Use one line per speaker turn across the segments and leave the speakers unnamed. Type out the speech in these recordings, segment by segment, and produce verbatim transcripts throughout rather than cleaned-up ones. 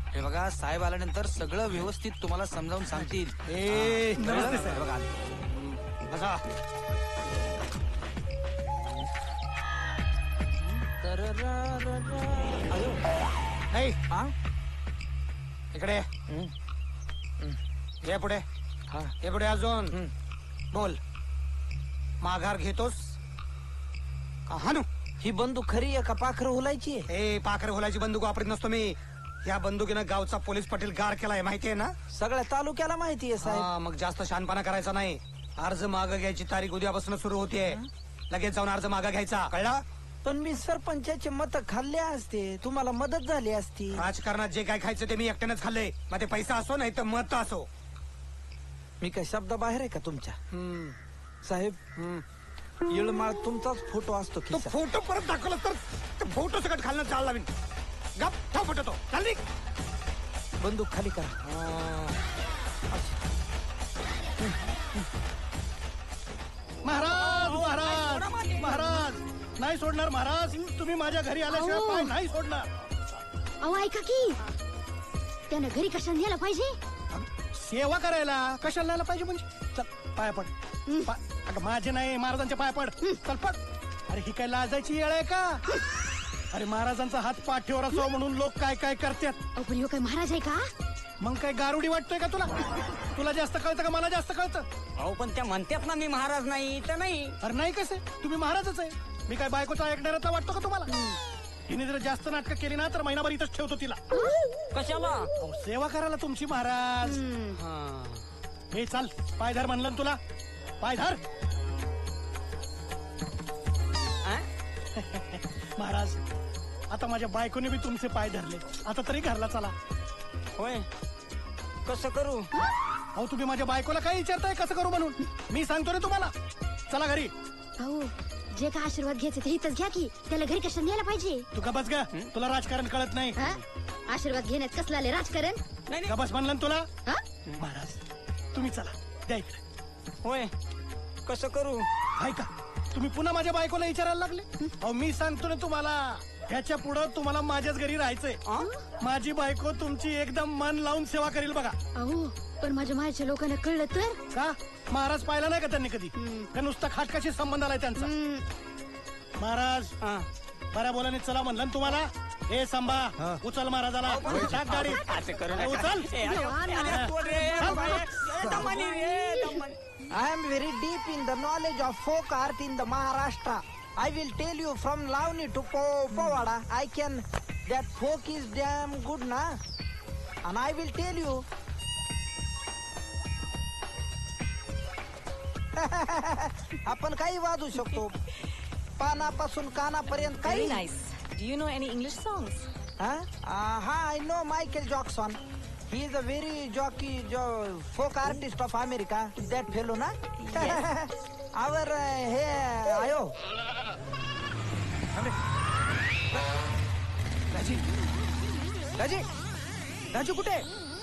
हे बघा, साहेब आल्यानंतर सगळं व्यवस्थित तुम्हाला समजावून सांगतील.
ए,
हा,
नमस्ते
कळलं?
साहेब.
बघा.
बसा.
अयो.
नाही
हा?
इकडे
हम्म.
ये पुढे.
हा.
ये पुढे अजून.
हम्म.
बोल. माघार घेतोस का हाणू?
ही बंदूक खरी आहे का पाखरं हुलायची आहे?
ए पाखर होलाची बंदूक वापरत नसतो मी. या बंदुकीनं गावचा पोलीस पाटील गार केलाय, माहितीये ना?
सगळ्या तालुक्याला माहिती आहे साहेब.
हा, मग जास्त शहाणपणा करायचा नाही. अर्ज मागं घ्यायची तारीख उद्यापासून सुरू होतीये. लगेच जाऊन अर्ज मागं घ्यायचा, कळला?
पण मी सरपंचाचे मत खाल्ले असते, तुम्हाला मदत झाली असती.
राजकारणात जे काय खायचं ते मी एकट्यानेच खाल्लंय. मग ते पैसा असो नाही तर मत असो.
मी काय शब्द बाहेर आहे का तुमच्या?
हम्म,
साहेब,
हम्म.
येळमाळ तुमचाच फोटो असतो
तो
खिशात.
फोटो परत दाखवला तर तो फोटो सगळं खालनं चाल लावीन. गप ठेव फोटो तो. चाल निघ.
बंदूक खाली करा.
महाराज महाराज महाराज नाही सोडणार महाराज. तुम्ही माझ्या घरी आल्याशिवाय
अहो.
पाय नाही सोडणार.
अहो ऐका की त्यानं घरी कशाला न्यायला पाहिजे?
सेवा करायला कशाला न्यायला पाहिजे म्हणजे? चल पाया पड. पा- अगं माझे नाही, महाराजांच्या पाया पड. चल पड. अरे ही काय लाजायची येळ आहे का? अरे महाराजांचा हात पाठीवर असावा म्हणून लोक काय काय करतात.
अहो पण ह्यो काय महाराज आहे का?
मग काय गारुडी वाटतोय का तुला? तुला जास्त कळतं का मला जास्त कळतं?
अहो पण त्या म्हणतात ना मी महाराज नाही तर नाही.
अरे नाही कसे, तुम्ही महाराजच आहे. मी काय बायकोचा ऐकणाऱ्याचा वाटतो का तुम्हाला? हिने जर जास्त नाटकं केली ना तर महिनाभर इथंच ठेवतो तिला.
कशाला?
अहो, सेवा करायला तुमची महाराज. हे चाल, पायधार म्हणलं ना तुला. पायधार. महाराज आता माझ्या बायकोने बी तुमचे पाय धरले. आता तरी घरला चला.
होय, कसं करू?
अहो तुम्ही माझ्या बायकोला काय विचारताय कसं करू म्हणून? मी सांगतो रे तुम्हाला. चला घरी.
अहो जे काय आशीर्वाद घ्यायचे ते इथंच घ्या की. त्याला घरी कशाला न्यायला पाहिजे?
तू गबस ग. तुला राजकारण कळत नाही.
हा? आशीर्वाद घेण्यात कसला आले राजकारण?
नाही नाही.
गबस म्हणलं ना तुला.
हा?
महाराज तुम्ही चला, द्या इकडे.
होय, कसं करू?
ऐका, तुम्ही पुन्हा माझ्या बायकोला विचारायला लागले. अहो मी सांगतो ना तुम्हाला, ह्याच्या पुढं तुम्हाला माझ्याच घरी राहायचंय. माझी बायको तुमची एकदम मन लावून सेवा करेल बघा.
अहो पण माझ्या मायच्या लोकांना कळलं तर?
का महाराज पाहिला नाही का त्यांनी कधी? का नुसता खाटकाशी संबंध आलाय त्यांचा? महाराज
हा.
बऱ्या बोलाने चला म्हणलं ना तुम्हाला. हे सांभा, उचल महाराजाला. टाक गाडी.
असं करू
अरे,
नका.
उचल.
ए, अरे, अरे, सोड रे,
चल.
बाई. ए, दमानी रे, Damani.
I am very deep in the knowledge of folk art in the Maharashtra. I will tell you from Lavani to po- Povada. I can. That folk is damn good, na? And I will tell you. आपण काही वाजू शकतो. पानापासून कानापर्यंत
Very
काही.
nice. Do you know any English songs?
हा I know Michael Jackson. He is a very jockey जो folk artist of America. That fellow ना. आवर हे आयो. राजी राजी राजू कुठे?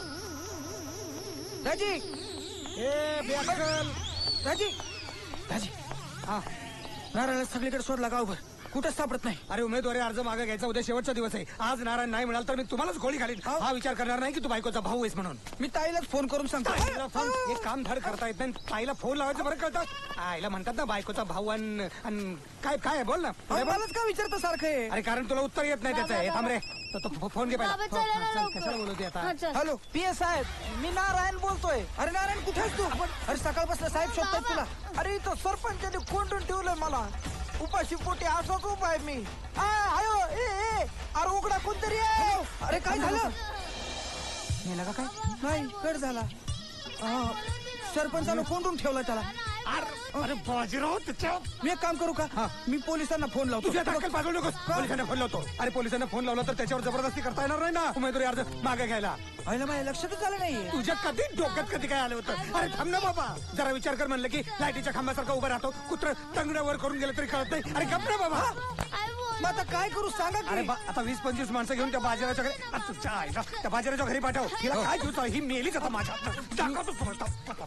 राजी
ए बेअक्कल.
राजी राजी हा नारळ सगळीकडे शोधला गावभर, कुठं सापडत नाही.
अरे उमेदवारी अर्ज मागे घ्यायचा उद्या शेवटचा दिवस आहे. आज नारायण नाही मिळाल तर मी तुम्हालाच गोळी घालीन. हा विचार करणार नाही की तू बायकोचा भाऊ आहेस म्हणून.
मी ताईलाच फोन करून सांगतो.
ताईला फोन एक काम धड करता येत नाही. ताईला फोन लावायचं बरं कळतं. आईला म्हणतात ना बायकोचा भाऊ अन अन काय काय आहे? बोल ना.
अहो, मलाच का विचारतो सारखं हे?
अरे कारण तुला उत्तर येत नाही त्याचं. हे थांब रे. तो- तो फो- फोन घे पहिला.
बाबा,
हो,
चला
हा,
ना
चल,
लवकर.
कशाला बोलवते आता?
हा, चल.
हॅलो पी एस साहेब, मी नारायण बोलतोय. अरे नारायण कुठे आहेस तू? अरे सकाळपासून साहेब शोधतायत तुला. अरे इथं सरपंचाने कोंडून ठेवलंय मला. उपाशी पोटी असाच उभा आहे मी. आ, आयो ए ए अरे उघडा कोणतरी आहे. अरे काय झालं?
मेला का काय?
नाही कट झाला. अं, सरपंचानं कोंडून ठेवला त्याला.
अरे बाजीराव त्याच्या
मी एक काम करू का? मी पोलिसांना फोन लावतो.
तुझ्या ताकद पाठवू नकोस. पोलिसांना फोन लावतो. अरे पोलिसांना फोन लावला तर त्याच्यावर जबरदस्ती करता येणार नाही ना उमेदवारी अर्ज मागे घ्यायला.
आईला माझ्या लक्षातच आलं नाहीये.
तुझ्या कधी डोक्यात कधी काय आलं होतं? अरे थांब ना बाबा, जरा विचार कर. म्हणलं की लाईटीच्या खांबासारखा उभा राहतो, कुत्र तंगड्यावर करून गेलं तरी कळत नाही. अरे गप ना बाबा.
मग आता काय करू सांगा
अरे
की?
बा, आता वीस पंचवीस माणसं घेऊन त्या बाजाराच्या घरी. अरे तुझ्या आईला त्या बाजाराच्या घरी पाठव. तिला काय घेऊन ही मेलीच आता माझ्या हातनं. दाखवतो तुम्हाला.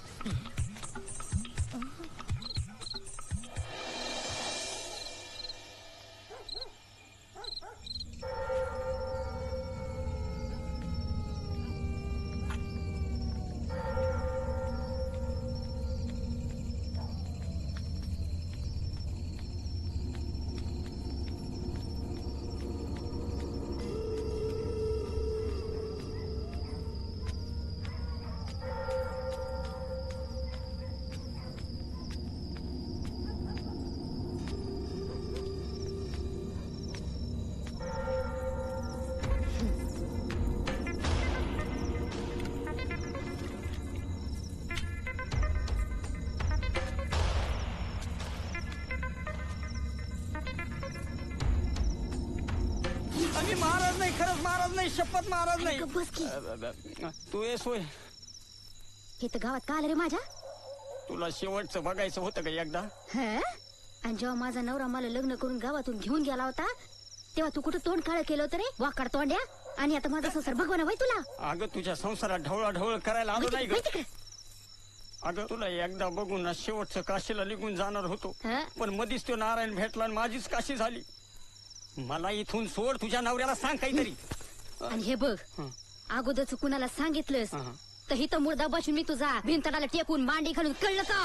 खरंच महाराज नाही शपथ महाराज नाही
गप्प बस की.
तू ये सोय
हे तर गावात का आलं रे माझ्या
तुला शेवटचं बघायचं होतं का एकदा
हं? आणि जेव्हा माझा नवरा मला लग्न करून गावातून घेऊन गेला होता तेव्हा तू कुठं तोंड काळ केलं होतं रे वाकड तोंड्या आणि आता माझा संसार भगवान वय तुला
अगं तुझ्या संसारात ढवळा ढवळ करायला आलो नाही ग
माहिती का?
अगं तुला एकदा बघून ना शेवटचं काशीला निघून जाणार होतो
हं?
पण मधीच तो नारायण भेटला आणि माझीच काशी झाली मला इथून सोड तुझ्या नवऱ्याला सांग काहीतरी
आणि हे बघ अगोदरच कुणाला सांगितलंस
हं.
तर हिथं मुर्दा बसून मी तुझा भिंतडाला टेकून मांडी घालून कळलं का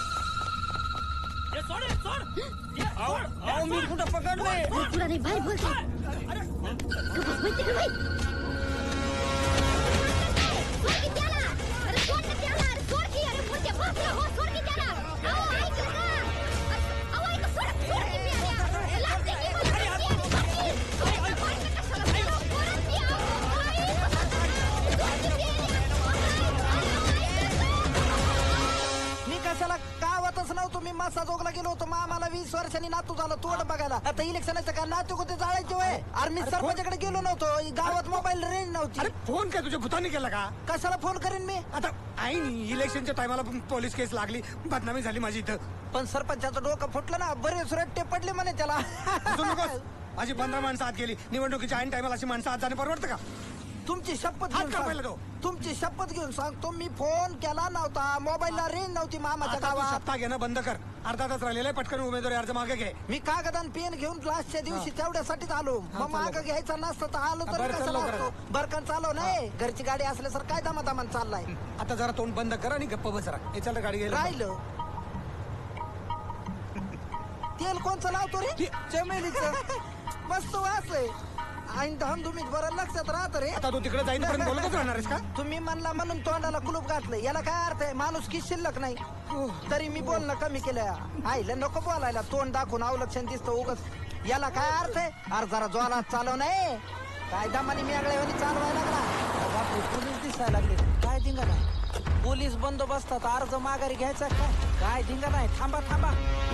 अहो अहो, मी कुठं पकडलंय
मी तुला नाही बाहेर बोलते गप्प बस, माहिती का बाई? सोड की त्याला. अरे सोड ना त्याला. अरे सोड की. अरे मुर्द्या बापरा, हो, सोड की त्याला. अहो, ऐक ना. अहो, ऐक, सोड, सोड की मी आल्या. लागते की मला. सोड की. अहो, सोड की कशाला? सोडच की, अहो. ऐक. सोड की मी
मी कशाला गावातच नव्हतो मी मासा जोगला गेलो होतो मामाला वीस वर्षांनी नातू झालं तोड बघायला आता इलेक्शनाचं का नातू कोणते जाळायचे वय अरे मी सरपंचाकडे गेलो नव्हतो गावात मोबाईल रेंज नव्हती
अरे फोन काय तुझ्या भूतानी केला का
कशाला फोन करीन मी
आता ऐन इलेक्शनच्या टायमाला पोलीस केस लागली बदनामी झाली माझी इथं
पण सरपंचाचं डोकं फुटलं ना बरेच रट्टे पडले म्हणे त्याला
हसू नकोस. माझी पंधरा माणसं आत गेली निवडणुकीच्या ऐन टायमाला अशी माणसं आत जाणे परवडतं का
तुमची शपथ
हात
घेऊन
का पहिला
सांग-
तो?
तुमची शपथ घेऊन सांगतो मी फोन केला नव्हता मोबाईलला रेंज नव्हती मामाच्या
आता तू
गावात
सत्ता घेणं बंद कर अर्धा तास राहिलेला आहे, पटकन उमेदवारी अर्ज मागे घे
मी कागद आणि पेन घेऊन लास्टच्या दिवशी तेवढ्यासाठीच आलो मग माग घ्यायचा नसतं तर आलो तर
बरं, चल
कशाला
लवकर.
असतो बरकन चालव नाही घरची गाडी असल्यासारखं काय दमादमान चाललाय
आता जरा तोंड बंद कर आणि गप्प बस जरा हे चल रे, गाडी घ्यायला
राहिलं तेल कोणचं लावतो रे चमेलीचं मस्त वास आहे आणि धामधुमीत बरं लक्षात राहत रे
आता तू तिकडे जाईन पर्यंत बोलतच राहणार आहेस का
तुम्ही म्हणला म्हणून तोंडाला कुलूप घातलं याला काय अर्थ आहे माणूस की शिल्लक नाही तरी मी बोलणं कमी केलं आईला नको बोलायला तोंड दाखवून अवलक्षण दिसतं उगच याला काय अर्थ आहे अरे जरा जोरात चालव नाही काय दमाने मी आगळ्यावानी चालवायला लागला बापरे पोलीस दिसायला लागले काय धिंगा नाही पोलीस बंदोबस्तात अर्ज माघारी घ्यायचा काय काय धिंगा नाही थांबा थांबा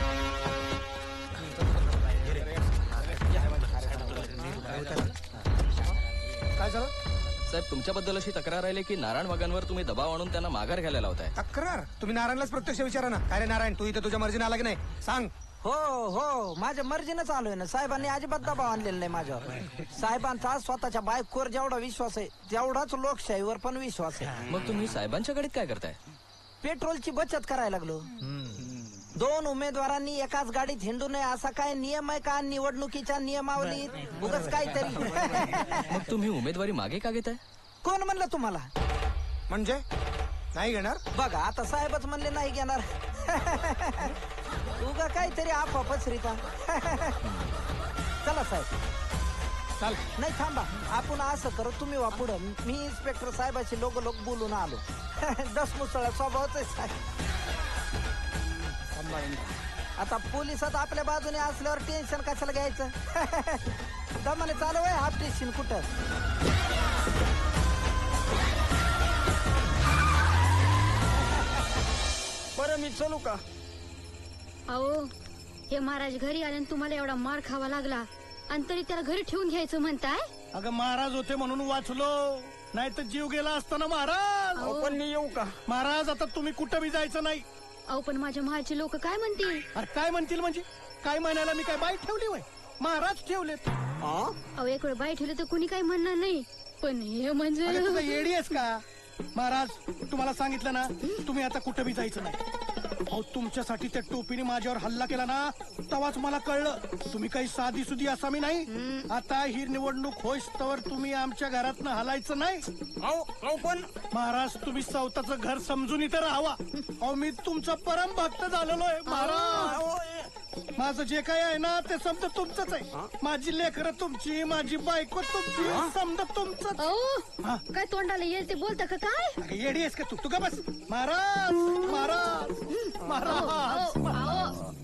काय झालं
साहेब तुमच्याबद्दल अशी तक्रार राहिली की नारायण वाघांवर तुम्ही दबाव आणून त्यांना माघार घ्यायला लावताय.
तक्रार तुम्ही नारायणलाच प्रत्यक्ष विचारा ना काय रे नारायण तू इथे तुझ्या मर्जीने आला की नाही सांग
हो हो माझ्या मर्जीनं चालू आहे ना साहेबांनी अजिबात दबाव आणलेला नाही माझ्यावर साहेबांचा स्वतःच्या बायकोवर जेवढा विश्वास आहे तेवढाच लोकशाहीवर पण विश्वास आहे
मग तुम्ही साहेबांच्या गाडीत काय करताय?
पेट्रोलची बचत करायला लागलो दोन उमेदवारांनी एकाच गाडीत हिंडू नये असा काय नियम आहे का निवडणुकीच्या नियमावलीत उगाच काहीतरी
मग तुम्ही उमेदवारी मागे का घेताय?
कोण म्हणलं तुम्हाला
म्हणजे नाही घेणार
बघा आता साहेबच म्हणले नाही घेणार उगा काहीतरी आपापच रीता चला साहेब
चाल
नाही थांबा आपण असं करू तुम्ही वा पुढं मी इन्स्पेक्टर साहेबाशी लोक लोक बोलून आलो दस मुसळा स्वभावच आहे साहेब आता पोलिसात आपल्या बाजूने असल्यावर टेन्शन कशाला घ्यायचं दमाने चालू आहे हाफ टेन्शन कुठं
बरं मी चलू का
अहो हे महाराज घरी आले आणि तुम्हाला एवढा मार खावा लागला आणि तरी त्याला घरी ठेवून घ्यायचं म्हणताय
अगं महाराज होते म्हणून वाचलो नाही तर जीव गेला असता ना महाराज
अहो, पण मी येऊ का
महाराज आता तुम्ही कुठं बी जायचं नाही
अहो पण माझ्या महाचे लोक काय म्हणतील
अरे काय म्हणतील म्हणजे काय म्हणायला मी काय बाई ठेवली वय महाराज ठेवलेत
हा?
अहो एक वेळ बाई ठेवलं तर कुणी काही म्हणणार नाही पण हे म्हणजे
अरे तू काय येडी आहेस का महाराज तुम्हाला सांगितलं ना तुम्ही आता कुठं बी जायचं नाही अहो तुमच्यासाठी त्या टोपीने माझ्यावर हल्ला केला ना तेव्हाच मला कळलं तुम्ही काही साधी सुधी असा मी नाही आता ही निवडणूक होईस तर तुम्ही आमच्या घरातनं हलायचं नाही
अहो अहो पण
महाराज तुम्ही स्वतःचं घर समजून इथं राहावा अहो मी तुमचा परम भक्त झालेलो आहे महाराज
अहो,
माझं जे काय आहे ना ते समजा तुमचंच आहे माझी लेकरं तुमची माझी बायको तुमची समजा तुमचंच
अहो
हा.
काय तोंडाला येईल ते बोलता का काय
अगं, येडी आहेस का तू तू का बस महाराज महाराज महाराज
अहो, अहो,